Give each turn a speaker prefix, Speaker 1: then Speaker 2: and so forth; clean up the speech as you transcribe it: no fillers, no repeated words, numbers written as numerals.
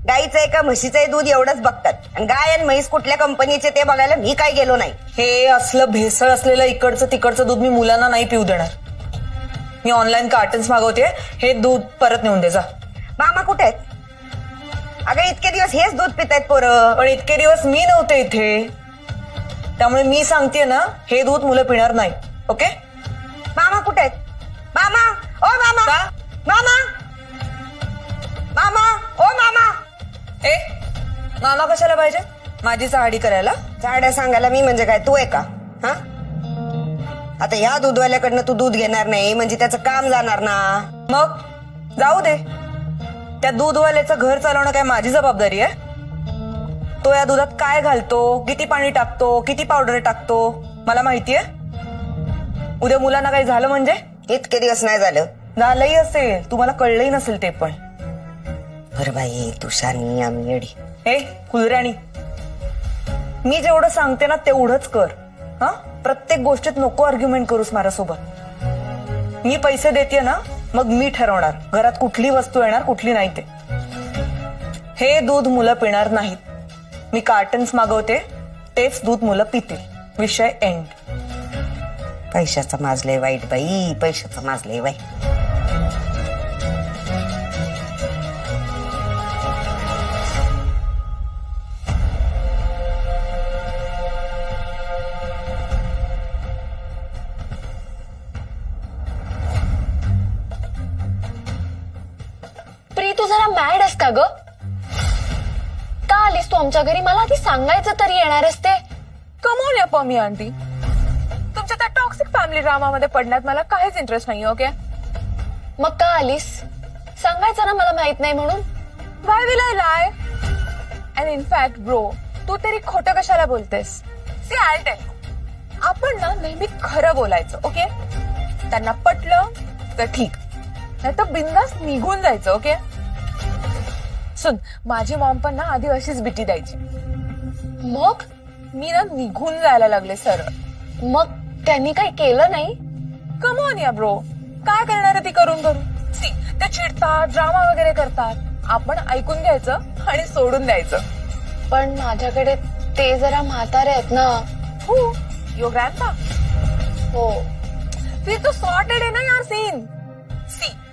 Speaker 1: गाईचं आहे का म्हशीचं आहे दूध एवढंच बघतात आणि गाय आणि म्हैस कुठल्या कंपनीचे ते बघायला मी काय गेलो नाही.
Speaker 2: हे असलं भेसळ असलेलं इकडचं तिकडचं दूध मी मुलांना नाही पिऊ देणार. मी ऑनलाईन कार्टन्स मागवते, हे दूध परत नेऊन दे जा.
Speaker 1: मामा कुठे आहेत? अगं इतके दिवस हेच दूध पितायत पोरं.
Speaker 2: पण इतके दिवस मी नव्हते इथे, त्यामुळे मी सांगते ना, हे दूध मुलं पिणार नाही. ओके?
Speaker 1: मामा कुठे आहेत? मामा, ओ मामा,
Speaker 2: का?
Speaker 1: मामा, मामा, ओ मामा.
Speaker 2: ए, मामा कशाला पाहिजे? माझी चाहडी करायला?
Speaker 1: झाड्या सांगायला मी म्हणजे काय तू आहे का? हा, आता ह्या दूधवाल्याकडनं तू दूध घेणार नाही म्हणजे त्याचं काम जाणार ना.
Speaker 2: मग जाऊ दे, त्या दूधवाल्याचं घर चालवणं काय माझी जबाबदारी आहे? तो या दुधात काय घालतो, किती पाणी टाकतो, किती पावडर टाकतो, मला माहितीये. उद्या मुलांना काही झालं म्हणजे?
Speaker 1: इतके दिवस नाही झालं.
Speaker 2: झालंही असेल, तुम्हाला कळलंही नसेल ते पण.
Speaker 1: बरं बाई तू शानी आम्ही येडी.
Speaker 2: हे कुलराणी, मी जेवढं सांगते ना तेवढंच कर. हा, प्रत्येक गोष्टीत नको आर्ग्युमेंट करूस माझ्यासोबत. मी पैसे देते ना, मग मी ठरवणार घरात कुठली वस्तू येणार कुठली नाही ते. हे दूध मुलं पिणार नाहीत. मी कार्टन्स मागवते, तेच दूध मुलं पितील. विषय एंड.
Speaker 1: पैशाचं माजलंय वाईट बाई, पैशाचं माजलंय वाईट.
Speaker 3: प्री, तू जरा मॅड आहेस का ग? का आलीस तू आमच्या घरी? मला आधी सांगायचं तरी येणारच ते.
Speaker 4: कमोन या पमी आंटी, तुमच्या त्या टॉक्सिक फॅमिली ड्रामामध्ये पडण्यात मला काहीच इंटरेस्ट नाही. ओके,
Speaker 3: मग का आलीस? सांगायचं ना मला माहित नाही म्हणून.
Speaker 4: Why will I lie? And in fact bro, तू तरी खोटं कशाला बोलतेस? सी आय टेल यू, आपण ना नेहमी खरं बोलायचं. ओके, त्यांना पटलं तर ठीक, नाही तर बिंदास निघून जायचं. ओके, सुन, माझी मॉम पण ना आधी अशीच भीती द्यायची.
Speaker 3: मग
Speaker 4: मी ना निघून जायला लागले सरळ.
Speaker 3: मग त्यांनी काही केलं नाही?
Speaker 4: कमॉन या ब्रो, काय करणार ती करून करून. सी, ते चिडतात, ड्रामा वगैरे करतात. आपण ऐकून घ्यायचं आणि सोडून द्यायचं.
Speaker 3: पण माझ्याकडे ते जरा म्हातारे आहेत ना.
Speaker 4: हो, योर ग्रँडपा.
Speaker 3: हो,
Speaker 4: फिर तो सॉर्टेड है ना यार सीन. सी,